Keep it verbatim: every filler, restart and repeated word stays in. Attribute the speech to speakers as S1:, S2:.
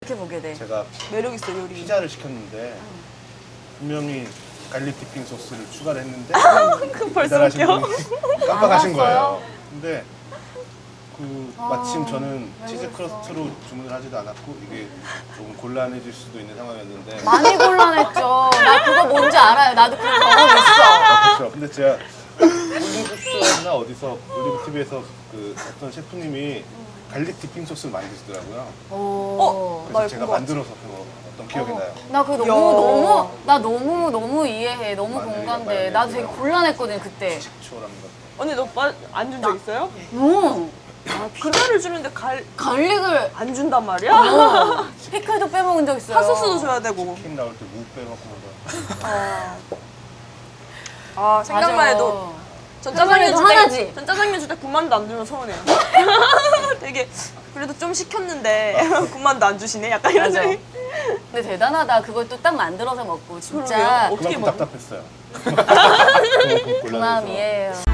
S1: 그렇게 보게 돼.
S2: 제가
S3: 매력 있어 요리.
S2: 피자를 시켰는데 분명히 갈릭 디핑 소스를 추가를 했는데
S3: 그 벌써
S2: 배달하신
S3: 웃겨.
S2: 분이 깜빡하신
S1: 안
S2: 거예요.
S1: 왔어요?
S2: 근데 그
S1: 아,
S2: 마침 저는
S1: 왜
S2: 치즈
S1: 그랬어?
S2: 크러스트로 주문을 하지도 않았고 이게 조금 곤란해질 수도 있는 상황이었는데
S1: 많이 곤란했죠. 나 그거 뭔지 알아요. 나도 그거 경험했어.
S2: 아, 그렇죠. 근데 제가 올리브스나 어디서 올리브 티비에서 그 어떤 셰프님이 갈릭 디핑 소스를 만드시더라고요.
S1: 오.
S2: 그래서
S3: 나
S2: 제가
S3: 그거
S2: 만들어서 그거 어떤 기억이 나요.
S1: 나 그거 너무
S3: 야.
S1: 너무 나 너무 너무 이해해. 너무
S2: 마늘이랑
S1: 공감돼.
S2: 마요네즈랑
S1: 나도 되게 곤란했거든 그때.
S2: 식초라는 것.
S3: 언니 너 안 준 적 있어요?
S1: 응.
S3: 아, 피자를 주는데 갈 안
S1: 갈릭을
S3: 준단 말이야?
S1: 어, 피클도 빼먹은 적 있어요.
S3: 핫소스도 줘야 되고.
S2: 치킨 나올 때 무 빼먹고 막.
S3: 아, 아 생각만
S1: 맞아.
S3: 해도 전
S1: 생각만
S3: 짜장면
S1: 해도
S3: 줄 때,
S1: 하나지.
S3: 전 짜장면 줄 때 군만두 안 주면 서운해요. 되게 그래도 좀 시켰는데 군만두 안 주시네? 약간 이런
S1: 맞아.
S3: 생각이.
S1: 근데 대단하다. 그걸 또 딱 만들어서 먹고 진짜
S3: 그러게요. 어떻게
S2: 그만큼
S3: 먹어?
S2: 답답했어요. 그만큼
S1: 그 마음
S2: 곤란해서.
S1: 이해해요.